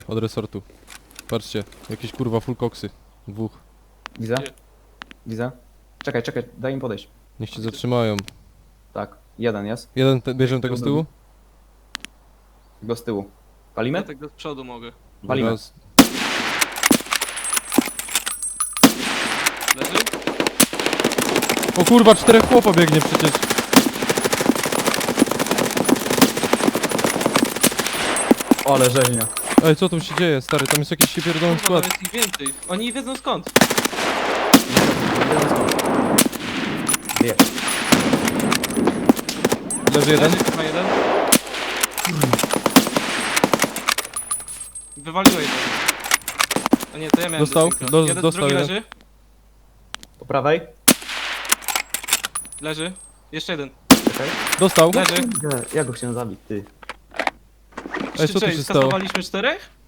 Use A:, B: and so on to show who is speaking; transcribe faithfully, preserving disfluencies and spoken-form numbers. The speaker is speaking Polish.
A: Od resortu. Patrzcie, jakieś kurwa full koksy. Dwóch.
B: Widzę?
C: Gdzie?
B: Widzę. Czekaj, czekaj, daj im podejść.
A: Niech się zatrzymają.
B: Tak, jeden jest.
A: Jeden, te, bierzemy tego z tyłu?
B: Go z tyłu.
C: Ja
B: Palimy?
C: tak do przodu mogę.
B: Walimy.
A: Raz.
C: Leży?
A: O kurwa, czterech chłopa biegnie przecież.
B: Ale rzeźnia.
A: Ej, co tu się dzieje, stary? Tam jest jakiś się pierdolony
C: Kurwa,
A: skład.
C: tam jest ich więcej. Oni nie wiedzą skąd.
B: Wie.
A: Leży jeden.
C: Leży chyba jeden. Wywaliło jeden. O nie, to ja miałem
A: Dostał?
C: do synka.
A: Do-
C: jeden,
A: dostał
C: drugi
A: jeden.
C: leży.
B: Po prawej.
C: Leży. Jeszcze jeden.
B: Czekaj.
A: Dostał.
C: Leży.
B: Ja go chciałem zabić, ty.
A: Ej, co tu
C: Czyli
A: się stało?
C: skasowaliśmy czterech?